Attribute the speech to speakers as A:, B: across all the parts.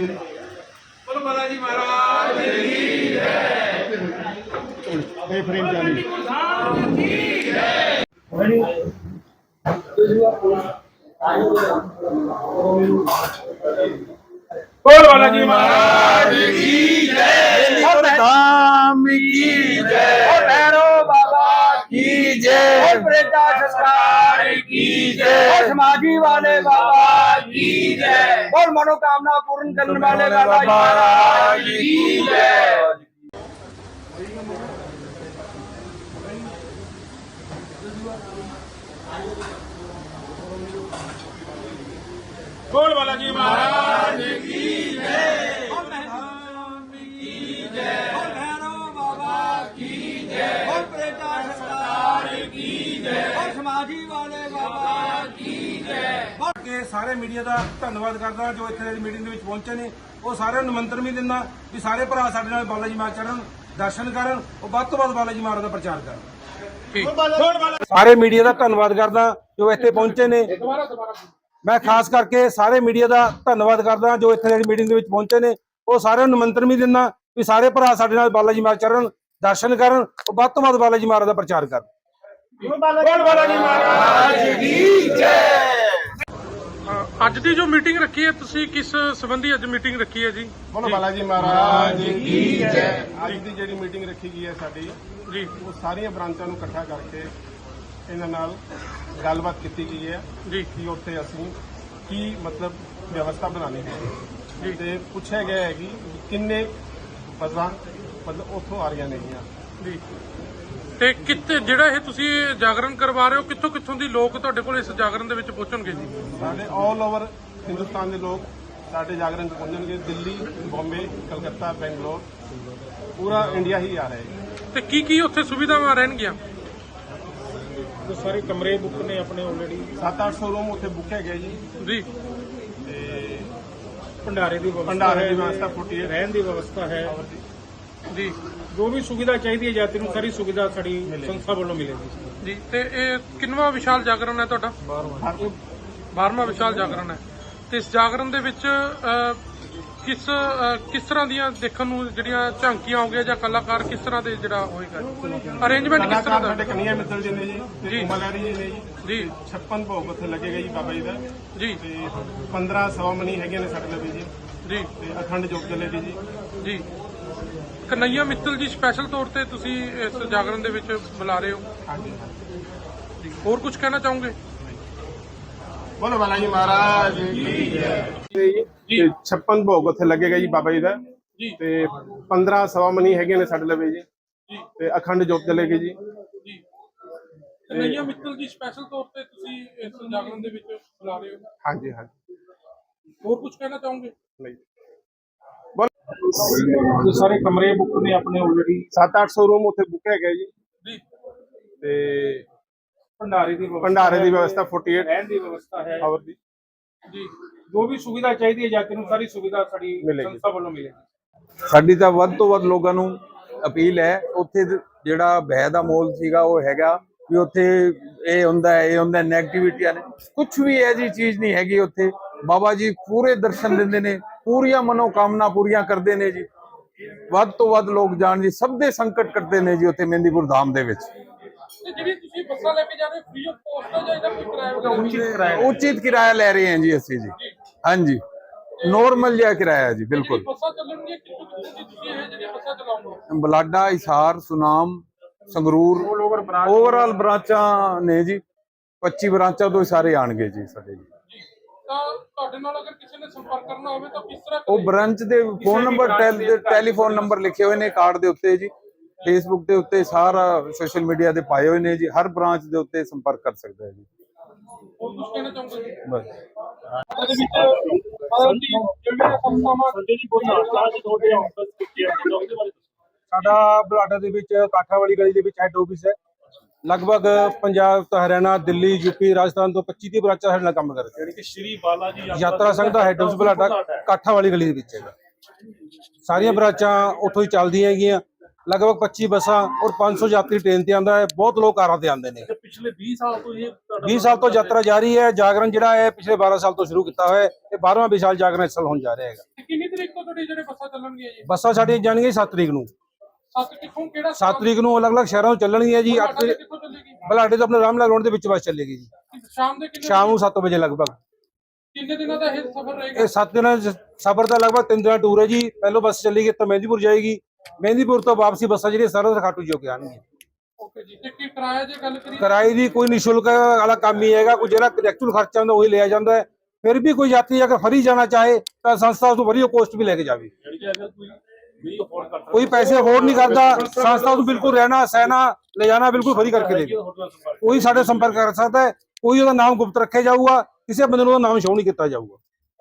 A: बोलो बालाजी महाराज की जय। फ्रेम चाली बोल बालाजी महाराज की जय।
B: धाम की जय।
A: भैरव बाबा
B: की जय।
A: प्रेता सरकार की जय। समाधि वाले बाबा की जय। और मनोकामना पूर्ण करने वाले बाबा महाराज की जय। बोल बालाजी महाराज की जय। समाधि वाले बाबा की जय। के सारे मीडिया का धन्यवाद करदा जो इत्थे मीटिंग दे विच पहुंचे ने। वो सारे निमंत्रण भी दिंदा भी सारे भरा साडे नाल बालाजी महाराज चढ़न दर्शन करन और ਵੱਧ ਤੋਂ ਵੱਧ बालाजी महाराज का प्रचार करन। सारे मीडिया का धन्यवाद करदा जो इत्थे पहुंचे ने। मैं खास करके सारे मीडिया का धन्यवाद करदा जो इत्थे मीटिंग दे विच पहुंचे ने। वो सारे निमंत्रण भी दिंदा भी सारे भरा साडे नाल बालाजी महाराज चढ़न दर्शन करन और ਵੱਧ ਤੋਂ ਵੱਧ बालाजी महाराज का प्रचार करन। बालाजी महाराज की जय।
C: ਅੱਜ ਦੀ ਜੋ ਮੀਟਿੰਗ ਰੱਖੀ ਹੈ ਤੁਸੀਂ ਕਿਸ ਸੰਬੰਧੀ ਅੱਜ ਮੀਟਿੰਗ ਰੱਖੀ ਹੈ ਜੀ?
D: बोलो बालाजी महाराज की जय। ਅੱਜ ਦੀ ਜਿਹੜੀ ਮੀਟਿੰਗ ਰੱਖੀ ਗਈ ਹੈ ਸਾਡੀ
C: ਜੀ
D: ਉਹ ਸਾਰੀਆਂ ਬ੍ਰਾਂਚਾਂ ਨੂੰ ਇਕੱਠਾ ਕਰਕੇ ਇਹਨਾਂ ਨਾਲ ਗੱਲਬਾਤ ਕੀਤੀ ਗਈ ਹੈ
C: ਜੀ
D: ਕਿ ਉੱਥੇ ਅਸੀਂ ਕੀ ਮਤਲਬ ਵਿਵਸਥਾ ਬਣਾਉਣੀ ਹੈ ਤੇ ਪੁੱਛਿਆ ਗਿਆ ਹੈ ਕਿ ਕਿੰਨੇ ਬੱਸਾਂ ਮਤਲਬ ਉੱਥੋਂ ਆ ਰਹੀਆਂ ਨੇਗੀਆਂ
C: ਜੀ ਤੇ ਕਿੱਥੇ ਜਿਹੜਾ ਇਹ ਤੁਸੀਂ ਜਾਗਰਣ ਕਰਵਾ ਰਹੇ ਹੋ ਕਿੱਥੋਂ ਕਿੱਥੋਂ ਦੀ ਲੋਕ ਤੁਹਾਡੇ ਕੋਲ ਇਸ ਜਾਗਰਣ ਦੇ ਵਿੱਚ ਪਹੁੰਚਣਗੇ ਜੀ?
D: ਸਾਡੇ ਆਲ ਓਵਰ ਹਿੰਦੁਸਤਾਨ ਦੇ ਲੋਕ ਸਾਡੇ ਜਾਗਰਣ 'ਚ ਪਹੁੰਚਣਗੇ। ਦਿੱਲੀ, ਬੰਬੇ, ਕਲਕੱਤਾ, ਬੈਂਗਲੋਰ, ਪੂਰਾ ਇੰਡੀਆ ਹੀ ਆ ਰਿਹਾ ਹੈ।
C: ਤੇ ਕੀ ਕੀ ਉੱਥੇ ਸੁਵਿਧਾਵਾਂ ਰਹਿਣਗੀਆਂ?
E: ਜੋ ਸਾਰੇ ਕਮਰੇ ਬੁੱਕ ਨੇ ਆਪਣੇ ਆਲਰੇਡੀ
D: 700-800 ਰੂਮ ਉੱਥੇ ਬੁੱਕ ਹੈਗੇ ਜੀ
C: ਜੀ
D: ਤੇ
E: ਭੰਡਾਰੇ ਦੀ ਵਿਵਸਥਾ
D: ਭੰਡਾਰੇ ਦੀ
E: ਹੈ,
D: ਵਿਵਸਥਾ 48
E: ਰਹਿਣ ਦੀ ਵਿਵਸਥਾ ਹੈ।
C: ਜੀ
E: ਜੋ ਵੀ ਸੁਵਿਧਾ ਚਾਹੀਦੀ ਹੈ ਯਾਤਰੀ ਨੂੰ ਸਾਰੀ ਸੁਵਿਧਾ ਸਾਡੀ ਸੰਸਥਾ ਵੱਲੋਂ ਮਿਲੇਗੀ।
C: ਜੀ ਤੇ ਇਹ ਕਿੰਨਵਾਂ ਵਿਸ਼ਾਲ ਜਾਗਰਣ ਹੈ ਤੁਹਾਡਾ? 12ਵਾਂ ਵਿਸ਼ਾਲ ਜਾਗਰਣ ਹੈ। ਤੇ ਇਸ ਜਾਗਰਣ ਦੇ ਵਿੱਚ ਕਿਸ ਤਰ੍ਹਾਂ ਦੀਆਂ ਦੇਖਣ ਨੂੰ ਜਿਹੜੀਆਂ ਝਾਂਕੀਆਂ ਹੋ ਗਈਆਂ ਜਾਂ ਕਲਾਕਾਰ ਕਿਸ ਤਰ੍ਹਾਂ ਦੇ ਜਿਹੜਾ ਹੋਏਗਾ ਅਰੇਂਜਮੈਂਟ ਕਿਸ ਤਰ੍ਹਾਂ ਦਾ?
D: ਸਾਡੇ ਕਨਈਆ ਮਿੱਤਲ ਜੀ ਨੇ ਜੀ
C: ਜੀ।
D: ਤੇ ਕੁਮਲਾਰੀ ਜੀ ਨੇ
C: ਜੀ
D: 56 ਭੋਗ ਉੱਥੇ ਲੱਗੇਗਾ ਜੀ ਬਾਬਾ ਜੀ ਦਾ
C: ਜੀ
D: ਤੇ 15 ਸਵਾਮਣੀ ਹੈਗੇ ਨੇ ਸਾਡੇ ਲਈ ਜੀ
C: ਜੀ
D: ਤੇ ਅਖੰਡ ਜੋਤ ਚੱਲੇਗੀ ਜੀ।
C: ਜੀ ਕਨਈਆ ਮਿੱਤਲ ਜੀ ਸਪੈਸ਼ਲ ਤੌਰ ਤੇ ਤੁਸੀਂ ਇਸ ਜਾਗਰਣ ਦੇ ਵਿੱਚ ਬੁਲਾ ਰਹੇ ਹੋ
D: ਹਾਂਜੀ
C: ਜੀ। ਹੋਰ ਕੁਝ ਕਹਿਣਾ ਚਾਹੋਗੇ?
D: ਬੋਲੋ ਬਾਲਾਜੀ ਮਹਾਰਾਜ ਕੀ ਜੈ।
C: ਜੀ
D: 56 ਭੋਗ ਉੱਥੇ ਲੱਗੇਗਾ ਜੀ ਬਾਬਾ ਜੀ ਦਾ
C: ਜੀ
D: ਤੇ 15 ਸਵਾਮਣੀ ਹੈਗੇ ਨੇ ਸਾਡੇ ਲਈ ਜੀ
C: ਜੀ
D: ਤੇ ਅਖੰਡ ਜੋਤ ਚੱਲੇਗੀ ਜੀ।
C: ਜੀ ਕਨਈਆ ਮਿੱਤਲ ਜੀ ਸਪੈਸ਼ਲ ਤੌਰ ਤੇ ਤੁਸੀਂ ਇਸ ਜਾਗਰਣ ਦੇ ਵਿੱਚ ਬੁਲਾ ਰਹੇ ਹੋ।
D: ਹਾਂਜੀ ਹਾਂਜੀ
C: ਹੋਰ ਕੁਝ ਕਹਿਣਾ ਚਾਹੋਗੇ?
D: ਨਹੀਂ
E: ਜੋ ਸਾਰੇ ਕਮਰੇ ਬੁੱਕ ਨੇ ਆਪਣੇ ਆਲਰੇਡੀ
D: 700-800 ਰੂਮ ਉੱਥੇ ਬੁੱਕ ਹੈਗੇ ਜੀ
C: ਜੀ
D: ਤੇ
E: ਭੰਡਾਰੇ ਦੀ
D: ਭੰਡਾਰੇ ਦੀ ਵਿਵਸਥਾ 48
E: ਰਹਿਣ ਦੀ ਵਿਵਸਥਾ ਹੈ।
D: ਆਵਰ ਦੀ
C: ਜੀ
E: ਜੋ ਵੀ ਸੁਵਿਧਾ ਚਾਹੀਦੀ ਹੈ ਯਾਤਰੀ ਨੂੰ ਸਾਰੀ ਸੁਵਿਧਾ ਸਾਡੀ
D: ਮਿਲੇਗੀ।
E: ਸੰਸਥਾ ਵੱਲੋਂ ਮਿਲੇਗੀ।
B: ਸਾਡੀ ਤਾਂ ਵੱਧ ਤੋਂ ਵੱਧ ਲੋਕਾਂ ਨੂੰ ਅਪੀਲ ਹੈ। ਉੱਥੇ ਜਿਹੜਾ ਭੈ ਦਾ ਮੋਲ ਸੀਗਾ ਉਹ ਹੈਗਾ ਵੀ ਉੱਥੇ ਇਹ ਹੁੰਦਾ ਨੈਗੇਟਿਵਿਟੀਆਂ ਨੇ ਕੁਝ ਵੀ ਇਹ ਜੀ ਚੀਜ਼ ਨਹੀਂ ਹੈਗੀ। ਉੱਥੇ ਬਾਬਾ ਜੀ ਪੂਰੇ ਦਰਸ਼ਨ ਦਿੰਦੇ ਨੇ, ਪੂਰੀਆਂ ਮਨੋਕਾਮਨਾ ਪੂਰੀਆਂ ਕਰਦੇ ਨੇ ਜੀ। ਵੱਧ ਤੋਂ ਵੱਧ ਲੋਕ ਜਾਣ ਜੀ, ਸਭ ਦੇ ਸੰਕਟ ਕੱਟਦੇ ਨੇ ਜੀ ਉੱਥੇ ਮਹਿੰਦੀਪੁਰ ਧਾਮ ਦੇ ਵਿੱਚ।
C: ਤੇ ਜਿਹੜੀ ਤੁਸੀਂ ਬੱਸਾਂ ਲੈ ਕੇ ਜਾ ਰਹੇ ਫ੍ਰੀ ਆਫ ਕੋਸਟ ਹੈ ਜਾਂ ਇਹਦਾ ਕੋਈ ਕਿਰਾਇਆ?
B: ਉਚਿਤ ਕਿਰਾਇਆ ਲੈ ਰਹੇ ਹਾਂ ਜੀ ਅਸੀਂ ਜੀ। ਹਾਂਜੀ ਨੋਰਮਲ ਜਿਹਾ ਕਿਰਾਇਆ ਜੀ ਬਿਲਕੁਲ।
C: ਬੱਸਾਂ ਚੱਲਣਗੀਆਂ ਕਿੱਥੋਂ ਕਿੱਥੋਂ ਦੀ ਤੁਸੀਂ ਇਹ ਜਿਹੜੀਆਂ ਬੱਸਾਂ ਚਲਾਉਂਗੇ?
B: ਬਲਾਡਾ, ਹਿਸਾਰ, ਸੁਨਾਮ, ਸੰਗਰੂਰ ਓਵਰਆਲ ਬ੍ਰਾਂਚਾਂ ਨੇ ਜੀ। 25 ਬ੍ਰਾਂਚਾਂ ਤੋਂ ਸਾਰੇ ਆਣਗੇ ਜੀ ਸਾਡੇ ਜੀ।
C: ਤਾਂ ਤੁਹਾਡੇ ਨਾਲ ਅਗਰ ਕਿਸੇ ਨੇ ਸੰਪਰਕ ਕਰਨਾ ਹੋਵੇ ਤਾਂ ਕਿਸ ਤਰ੍ਹਾਂ
B: ਉਹ ਬ੍ਰਾਂਚ ਦੇ ਫੋਨ ਨੰਬਰ ਟੈਲੀਫੋਨ ਨੰਬਰ ਲਿਖੇ ਹੋਏ ਨੇ ਕਾਰਡ ਦੇ ਉੱਤੇ ਜੀ। ਫੇਸਬੁੱਕ ਦੇ ਉੱਤੇ ਸਾਰਾ ਸੋਸ਼ਲ ਮੀਡੀਆ ਦੇ ਪਾਏ ਹੋਏ ਨੇ ਜੀ। ਹਰ ਬ੍ਰਾਂਚ ਦੇ ਉੱਤੇ ਸੰਪਰਕ ਕਰ ਸਕਦਾ ਹੈ ਜੀ।
C: ਹੋਰ ਕੁਝ ਕਹਿਣਾ ਚਾਹੋਗੇ?
B: ਬਸ
A: ਸਾਡਾ ਬਲਾਡਾ ਦੇ ਵਿੱਚ ਕਾਠਾ ਵਾਲੀ ਗਲੀ ਦੇ ਵਿੱਚ ਹੈੱਡ ਆਫਿਸ ਹੈ। ਲਗਭਗ ਪੰਜਾਬ ਤੋਂ ਹਰਿਆਣਾ, ਦਿੱਲੀ, ਯੂਪੀ, ਰਾਜਸਥਾਨ ਤੋਂ 25-30 ਬ੍ਰਾਂਚਾਂ ਸਾਡੇ ਨਾਲ ਕੰਮ ਕਰ ਰਹੀਆਂ।
E: ਕਿ ਸ਼੍ਰੀ ਬਾਲਾਜੀ
A: ਯਾਤਰਾ ਸੰਘ ਦਾ ਹੈੱਡ ਆਫਿਸ ਬਲਾਡਾ ਕਾਠਾ ਵਾਲੀ ਗਲੀ ਦੇ ਵਿੱਚ ਹੈਗਾ। ਸਾਰੀਆਂ ਬ੍ਰਾਂਚਾਂ ਉੱਥੋਂ ਹੀ ਚੱਲਦੀਆਂ ਹੈਗੀਆਂ। ਲਗਭਗ 25 ਬੱਸਾਂ ਔਰ 500 ਯਾਤਰੀ ਟ੍ਰੇਨ ਤੇ ਆਉਂਦਾ ਹੈ। ਬਹੁਤ ਲੋਕ ਕਾਰਾਂ ਤੇ ਆਉਂਦੇ ਨੇ।
E: ਪਿਛਲੇ 20 ਸਾਲ ਤੋਂ ਇਹ
A: 20 ਸਾਲ ਤੋਂ ਯਾਤਰਾ ਜਾਰੀ ਹੈ। ਜਾਗਰਣ ਜਿਹੜਾ ਹੈ ਪਿਛਲੇ 12 ਸਾਲ ਤੋਂ ਸ਼ੁਰੂ ਕੀਤਾ ਹੋਇਆ ਹੈ ਤੇ 12ਵਾਂ ਵਿਸ਼ਾਲ ਜਾਗਰਣ ਇਸ ਸਾਲ ਹੋਣ ਜਾ ਰਿਹਾ ਹੈਗਾ।
C: ਕਿੰਨੀ ਤਰੀਕ ਤੋਂ ਤੁਹਾਡੀ ਜਿਹੜੇ ਬੱਸਾਂ ਚੱਲਣਗੀਆਂ ਜੀ?
A: ਬੱਸਾਂ ਸਾਡੀਆਂ ਜਾਣਗੀਆਂ 7 ਤਰੀਕ ਨੂੰ।
C: 7 ਕਿੱਥੋਂ ਕਿਹੜਾ
A: 7 ਤਰੀਕ ਨੂੰ ਅਲੱਗ-ਅਲੱਗ ਸ਼ਹਿਰਾਂ ਤੋਂ ਚੱਲਣਗੀਆਂ ਜੀ। 8 ਤਰੀਕ
C: ਕਿੱਥੋਂ ਚੱਲੇਗੀ?
A: ਬਲਾਡੇ ਤੋਂ ਆਪਣੇ ਰਾਮਲਾਲ ਰੋਡ ਦੇ ਵਿੱਚ ਬੱਸ ਚੱਲੇਗੀ ਜੀ,
C: ਸ਼ਾਮ ਦੇ ਕਿੰਨੇ
A: ਸ਼ਾਮ ਨੂੰ 7 ਵਜੇ ਲਗਭਗ।
C: ਕਿੰਨੇ ਦਿਨਾਂ ਦਾ ਇਹ ਸਫ਼ਰ ਰਹੇਗਾ?
A: ਇਹ 7 ਦਿਨਾਂ ਦਾ ਸਫ਼ਰ ਦਾ ਲਗਭਗ 3 ਦਿਨਾਂ ਟੂਰ ਹੈ ਜੀ। ਪਹਿਲੋਂ ਬੱਸ ਚੱਲੇਗੀ ਤਾਂ ਮਹਿੰਦੀਪੁਰ ਜਾਏਗੀ, ਮਹਿੰਦੀਪੁਰ ਤੋਂ ਵਾਪਸੀ ਬੱਸਾਂ ਜਿਹੜੀਆਂ ਸਰਹੱਦ ਖਾਟੂ ਜੋ ਕੇ ਆਉਣਗੀਆਂ।
C: ਓਕੇ ਜੀ, ਤੇ ਕੀ ਕਿਰਾਇਆ ਜੇ ਗੱਲ ਕਰੀਏ?
A: ਕਿਰਾਏ ਦੀ ਕੋਈ ਨਿਸ਼ੁਲਕ ਵਾਲਾ ਕੰਮ ਹੀ ਹੈਗਾ, ਕੋਈ ਜਿਹੜਾ ਐਕਚੁਅਲ ਖਰਚਾ ਹੁੰਦਾ ਉਹੀ ਲਿਆ ਜਾਂਦਾ ਹੈ। ਫਿਰ ਵੀ ਕੋਈ ਯਾਤਰੀ ਅਗਰ ਫਰੀ ਜਾਣਾ ਚਾਹੇ ਤਾਂ ਸੰਸਥਾ ਉਸ ਤੋਂ ਵਧੀਆ ਕੋਸਟ ਵੀ ਲੈ ਕੇ ਜਾਵੇ। ਕੋਈ ਪੈਸੇ ਅਫੋਰਡ ਨਹੀਂ ਕਰਦਾ, ਸੰਸਥਾ ਨੂੰ ਬਿਲਕੁਲ ਰਹਿਣਾ ਸਹਿਣਾ ਲੈ ਜਾਣਾ ਬਿਲਕੁਲ ਫਰੀ ਕਰਕੇ ਦੇਗੀ। ਕੋਈ ਸਾਡੇ ਸੰਪਰਕ ਕਰ ਸਕਦਾ ਹੈ, ਕੋਈ ਉਹਦਾ ਨਾਮ ਗੁਪਤ ਰੱਖਿਆ ਜਾਊਗਾ, ਕਿਸੇ ਬੰਦੇ ਨੂੰ ਉਹਦਾ ਨਾਮ ਸ਼ੋਅ ਨਹੀਂ ਕੀਤਾ ਜਾਊਗਾ।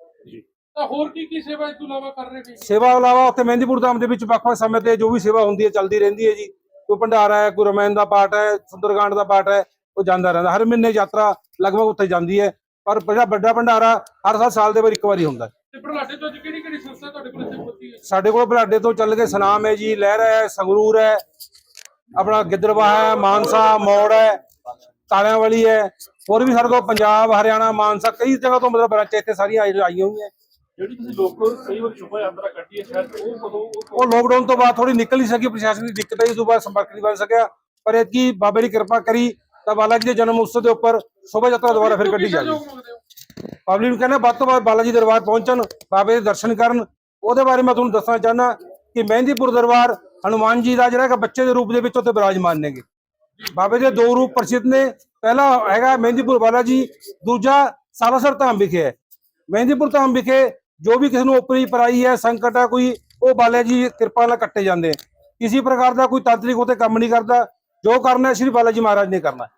C: ਤਾਂ ਹੋਰ ਕੀ ਸੇਵਾ ਇਸ ਤੋਂ ਇਲਾਵਾ ਕਰ ਰਹੇ ਨੇ?
A: ਸੇਵਾ ਤੋਂ ਇਲਾਵਾ ਉੱਥੇ ਮਹਿੰਦੀਪੁਰ ਧਾਮ ਦੇ ਵਿੱਚ ਵੱਖ-ਵੱਖ ਸਮੇਂ ਤੇ ਜੋ ਵੀ ਸੇਵਾ ਹੁੰਦੀ ਹੈ ਚੱਲਦੀ ਰਹਿੰਦੀ ਹੈ ਜੀ। ਕੋਈ ਭੰਡਾਰਾ ਹੈ, ਕੋਈ ਰਮਾਇਣ ਦਾ ਪਾਠ ਹੈ, ਸੁੰਦਰਕਾਂਡ ਦਾ ਪਾਠ ਹੈ, ਉਹ ਜਾਂਦਾ ਰਹਿੰਦਾ। ਹਰ ਮਹੀਨੇ ਯਾਤਰਾ ਲਗਭਗ ਉੱਥੇ ਜਾਂਦੀ ਹੈ, ਪਰ ਜਿਹੜਾ ਵੱਡਾ ਭੰਡਾਰਾ ਹਰ ਸਾਲ ਦੇ ਬਾਅਦ ਇੱਕ ਵਾਰੀ ਹੁੰਦਾ।
C: ਤੇ ਬਲਾਡੇ ਤੋਂ ਕਿਹੜੀ ਸੰਸਥਾ ਤੁਹਾਡੇ ਕੋਲ ਇੱਥੇ ਪਹੁੰਚੀ ਹੈ?
A: ਸਾਡੇ ਕੋਲ ਬਲਾਡੇ ਤੋਂ ਚੱਲ ਕੇ ਸਨਾਮ ਹੈ ਜੀ, ਲਹਿਰਾ ਹੈ, ਸੰਗਰੂਰ ਹੈ, ਆਪਣਾ ਗਿੱਦੜਬਾਹਾ ਹੈ, ਮਾਨਸਾ ਮੋੜ ਹੈ, ਤਾਲਿਆਂ ਵਾਲੀ ਹੈ, ਹੋਰ ਵੀ ਸਾਡੇ ਕੋਲ ਪੰਜਾਬ, ਹਰਿਆਣਾ, ਮਾਨਸਾ ਕਈ ਜਗ੍ਹਾ ਤੋਂ ਮਤਲਬ ਬ੍ਰਾਂਚ ਇੱਥੇ ਸਾਰੀਆਂ ਆਈਆਂ ਹੋਈਆਂ।
D: ਜਿਹੜੀ ਤੁਸੀਂ ਲੋਕਲ ਕਈ ਵਾਰ ਸ਼ੁਭਾ ਯਾਤਰਾ ਕੱਢੀ ਹੈ ਸ਼ਾਇਦ
A: ਉਹ ਲੋਕਡਾਊਨ ਤੋਂ ਬਾਅਦ ਥੋੜੀ ਨਿਕਲ ਨਹੀਂ ਸਕੀ, ਪ੍ਰਸ਼ਾਸਨ ਦੀ ਦਿੱਕਤ ਆਈ, ਉਸ ਤੋਂ ਬਾਅਦ ਸੰਪਰਕ ਨਹੀਂ ਬਣ ਸਕਿਆ। ਪਰ ਐਤਕੀ ਬਾਬੇ ਦੀ ਕਿਰਪਾ ਕਰੀ ਤਾਂ ਬਾਲਾ ਜੀ ਦੇ ਜਨਮ ਉਤਸਵ ਦੇ ਉੱਪਰ ਸ਼ੋਭਾ ਯਾਤਰਾ ਦੁਬਾਰਾ ਫਿਰ ਕੱਢੀ ਜਾਵੇ। ਪਬਲਿਕ ਨੂੰ ਕਹਿੰਦਾ ਵੱਧ ਤੋਂ ਵੱਧ ਬਾਲਾ ਜੀ ਦਰਬਾਰ ਪਹੁੰਚਣ, ਬਾਬੇ ਦੇ ਦਰਸ਼ਨ ਕਰਨ। ਉਹਦੇ ਬਾਰੇ ਮੈਂ ਤੁਹਾਨੂੰ ਦੱਸਣਾ ਚਾਹੁੰਦਾ ਕਿ ਮਹਿੰਦੀਪੁਰ ਦਰਬਾਰ ਹਨੂਮਾਨ ਜੀ ਦਾ ਜਿਹੜਾ ਬੱਚੇ ਦੇ ਰੂਪ ਦੇ ਵਿੱਚ ਉੱਥੇ ਬਿਰਾਜਮਾਨ ਨੇਗੇ। ਬਾਬੇ ਦੇ 2 ਰੂਪ ਪ੍ਰਸਿੱਧ ਨੇ, ਪਹਿਲਾ ਹੈਗਾ ਮਹਿੰਦੀਪੁਰ ਬਾਲਾ ਜੀ, ਦੂਜਾ ਸਾਲਾਸਰ ਧਾਮ ਵਿਖੇ ਹੈ। ਮਹਿੰਦੀਪੁਰ ਧਾਮ ਵਿਖੇ ਜੋ ਵੀ ਕਿਸੇ ਨੂੰ ਉਪਰੀ ਪਰਾਈ ਹੈ, ਸੰਕਟ ਹੈ ਕੋਈ, ਉਹ ਬਾਲਾ ਜੀ ਕਿਰਪਾ ਨਾਲ ਕੱਟੇ ਜਾਂਦੇ। ਕਿਸੇ ਪ੍ਰਕਾਰ ਦਾ ਕੋਈ ਤਾਂਤਰਿਕ ਉੱਥੇ ਕੰਮ ਨਹੀਂ ਕਰਦਾ, ਜੋ ਕਰਨਾ ਸ਼੍ਰੀ ਬਾਲਾ ਜੀ ਮਹਾਰਾਜ ਨੇ ਕਰਨਾ।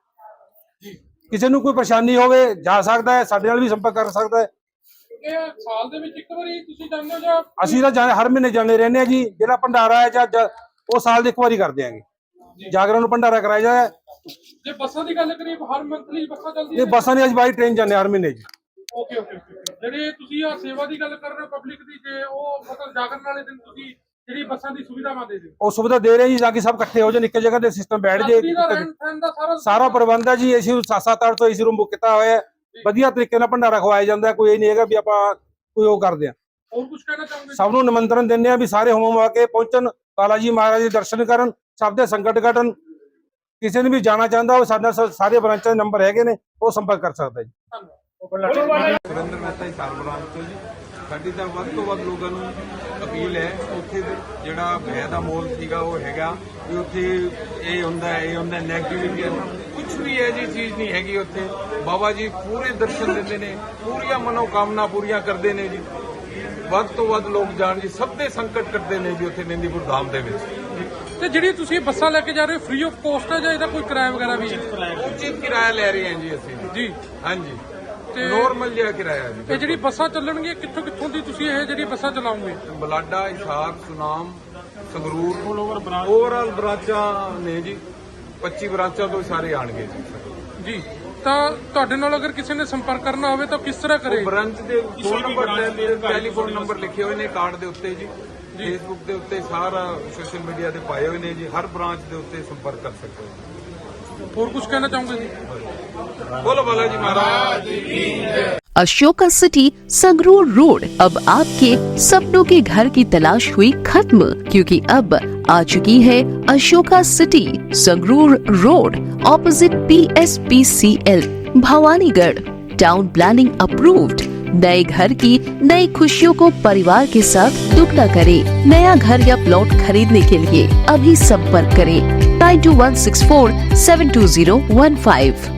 A: ਕਿਸੇ ਨੂੰ ਕੋਈ ਪਰੇਸ਼ਾਨੀ ਹੋਵੇ ਜਾ ਸਕਦਾ ਹੈ, ਸਾਡੇ ਨਾਲ ਵੀ ਸੰਪਰਕ ਕਰ ਸਕਦਾ ਹੈ।
C: ਇਹ ਸਾਲ ਦੇ ਵਿੱਚ ਇੱਕ ਵਾਰੀ ਤੁਸੀਂ ਜਾਂਦੇ ਹੋ ਜਾਂ?
A: ਅਸੀਂ ਤਾਂ ਹਰ ਮਹੀਨੇ ਜਾਂਦੇ ਰਹਿੰਦੇ ਹਾਂ ਜੀ। ਜਿਹੜਾ ਭੰਡਾਰਾ ਹੈ ਜਾਂ ਉਹ ਸਾਲ ਦੇ ਇੱਕ ਵਾਰੀ ਕਰਦੇ ਆਂਗੇ। ਜਾਗਰਣ ਨੂੰ ਭੰਡਾਰਾ ਕਰਾਇਆ ਜਾਂਦਾ।
C: ਜੇ ਬੱਸਾਂ ਦੀ ਗੱਲ ਕਰੀਏ, ਹਰ ਮੰਥਲੀ ਬੱਸਾਂ ਚੱਲਦੀਆਂ
A: ਇਹ
C: ਨੇ?
A: ਬੱਸਾਂ ਦੀ ਅੱਜ ਬਾਈ ਟ੍ਰੇਨ ਜਾਂਦੇ ਹਰ ਮਹੀਨੇ ਜੀ।
C: ਓਕੇ। ਜਿਹੜੇ ਤੁਸੀਂ ਆ ਸੇਵਾ ਦੀ ਗੱਲ ਕਰ ਰਹੇ ਹੋ ਪਬਲਿਕ ਦੀ, ਜੇ ਉਹ ਮਤਲਬ ਜਾਗਰਣ ਵਾਲੇ ਦਿਨ ਤੁਸੀਂ ਜਿਹੜੀ ਬੱਸਾਂ ਦੀ ਸੁਵਿਧਾਵਾਂ ਦੇ ਦਿਓ?
A: ਉਹ ਸੁਵਿਧਾ ਦੇ ਰਹੇ ਜੀ, ਤਾਂ ਕਿ ਸਭ ਇਕੱਠੇ ਹੋ ਜਾਣ, ਇੱਕ ਜਗ੍ਹਾ ਤੇ ਸਿਸਟਮ ਬੈਠ ਜੇ। ਸਾਰਾ ਪ੍ਰਬੰਧ ਹੈ ਜੀ। ਏਸੀ 7-8 ਤੋਂ ਏਸੀ ਰੂਮ ਬੁੱਕ ਕੀਤਾ ਹੋਇਆ ਹੈ। ਵਧੀਆ ਤਰੀਕੇ ਨਾਲ ਭੰਡਾਰਾ ਖਵਾਇਆ ਜਾਂਦਾ। ਕੋਈ ਇਹ ਨਹੀਂ ਹੈਗਾ ਵੀ ਆਪਾਂ ਕੋਈ ਉਹ ਕਰਦੇ ਆ।
C: ਹੋਰ ਕੁਝ ਕਹਿਣਾ ਚਾਹੋਗੇ?
A: ਸਭ ਨੂੰ ਨਿਮੰਤਰਣ ਦਿੰਦੇ ਆ ਵੀ ਸਾਰੇ ਹੋਮ ਆ ਕੇ ਪਹੁੰਚਣ, ਬਾਲਾ ਜੀ ਮਹਾਰਾਜ ਦੇ ਦਰਸ਼ਨ ਕਰਨ, ਸਭ ਦੇ ਸੰਕਟ ਕੱਟਣ। ਕਿਸੇ ਨੇ ਵੀ ਜਾਣਾ ਚਾਹੁੰਦਾ ਉਹ ਸਾਡੇ ਨਾਲ ਸਾਰੇ ਬ੍ਰਾਂਚਾਂ ਦੇ ਨੰਬਰ ਹੈਗੇ ਨੇ, ਉਹ ਸੰਪਰਕ ਕਰ ਸਕਦਾ ਜੀ।
B: ਸੁਰਿੰਦਰ ਮਹਿਤਾ ਹੀ ਸਾਲਬਰਾਮ ਤੋਂ ਜੀ। ਸਾਡੀ ਤਾਂ ਵੱਧ ਤੋਂ ਵੱਧ ਲੋਕਾਂ ਨੂੰ ਅਪੀਲ ਹੈ, ਉੱਥੇ ਜਿਹੜਾ ਭੈ ਦਾ ਮੋਲ ਸੀਗਾ ਉਹ ਹੈਗਾ ਵੀ ਉੱਥੇ ਇਹ ਹੁੰਦਾ ਨੈਗੇਟਿਵਿਟੀ ਹੈ, ਕੁਝ ਵੀ ਇਹ ਜੀ ਚੀਜ਼ ਨਹੀਂ ਹੈਗੀ ਉੱਥੇ। ਬਾਬਾ ਜੀ ਪੂਰੇ ਦਰਸ਼ਨ ਦਿੰਦੇ ਨੇ, ਪੂਰੀਆਂ ਮਨੋਕਾਮਨਾ ਪੂਰੀਆਂ ਕਰਦੇ ਨੇ ਜੀ। ਵੱਧ ਤੋਂ ਵੱਧ ਲੋਕ ਜਾਣ ਜੀ, ਸਭ ਦੇ ਸੰਕਟ ਕੱਟਦੇ ਨੇ ਜੀ ਉੱਥੇ ਮਹਿੰਦੀਪੁਰ ਧਾਮ ਦੇ ਵਿੱਚ।
C: ਤੇ ਜਿਹੜੀ ਤੁਸੀਂ ਬੱਸਾਂ ਲੈ ਕੇ ਜਾ ਰਹੇ ਹੋ ਫ੍ਰੀ ਆਫ ਕੋਸਟ ਹੈ ਜਾਂ ਇਹਦਾ ਕੋਈ ਕਿਰਾਇਆ ਵਗੈਰਾ ਵੀ ਹੈ?
B: ਉਚਿਤ ਕਿਰਾਇਆ ਲੈ ਰਹੇ ਹਾਂ ਜੀ ਅਸੀਂ
C: ਜੀ।
B: ਹਾਂਜੀ,
C: ਤੇ
B: ਨੋਰਮਲ ਜਿਹਾ ਕਿਰਾਇਆ ਜੀ।
C: ਇਹ ਜਿਹੜੀ ਬੱਸਾਂ ਚੱਲਣਗੀਆਂ ਕਿੱਥੋਂ ਦੀ ਤੁਸੀਂ ਇਹ ਜਿਹੜੀ ਬੱਸਾਂ ਚਲਾਉਂਗੇ?
B: ਬਲਾਡਾ, ਹਿਸਾਰ, ਸੁਨਾਮ, ਸੰਗਰੂਰ, ਓਵਰਆਲ ਬ੍ਰਾਂਚਾਂ ਨੇ ਜੀ। 25 ਬ੍ਰਾਂਚਾਂ ਤੋਂ ਸਾਰੇ ਆਣਗੇ ਜੀ।
C: ਤਾਂ ਤੁਹਾਡੇ ਨਾਲ ਅਗਰ ਕਿਸੇ ਨੇ ਸੰਪਰਕ ਕਰਨਾ ਹੋਵੇ ਤਾਂ ਕਿਸ ਤਰ੍ਹਾਂ ਕਰੇ?
B: ਬ੍ਰਾਂਚ ਦੇ ਫੋਨ ਨੰਬਰ, ਟੈਲੀਫੋਨ ਨੰਬਰ ਲਿਖੇ ਹੋਏ ਨੇ ਕਾਰਡ ਦੇ ਉੱਤੇ ਜੀ। ਫੇਸਬੁੱਕ ਦੇ ਉੱਤੇ, ਸਾਰਾ ਸੋਸ਼ਲ ਮੀਡੀਆ ਤੇ ਪਾਏ ਹੋਏ ਨੇ ਜੀ। ਹਰ ਬ੍ਰਾਂਚ ਦੇ ਉੱਤੇ ਸੰਪਰਕ ਕਰ ਸਕਦੇ ਹੋ।
C: ਹੋਰ ਕੁਝ ਕਹਿਣਾ ਚਾਹੋਗੇ ਜੀ?
B: बोलो बालाजी महाराज की जय।
F: अशोका सिटी संगरूर रोड अब आपके सपनों के घर की तलाश हुई खत्म, क्योंकि अब आ चुकी है Ashoka city Sangrur road opposite PSPCL Bhawanigarh. Town planning approved. नए घर की नई खुशियों को परिवार के साथ दुगना करें। नया घर या प्लॉट खरीदने के लिए अभी संपर्क करें 9216472015।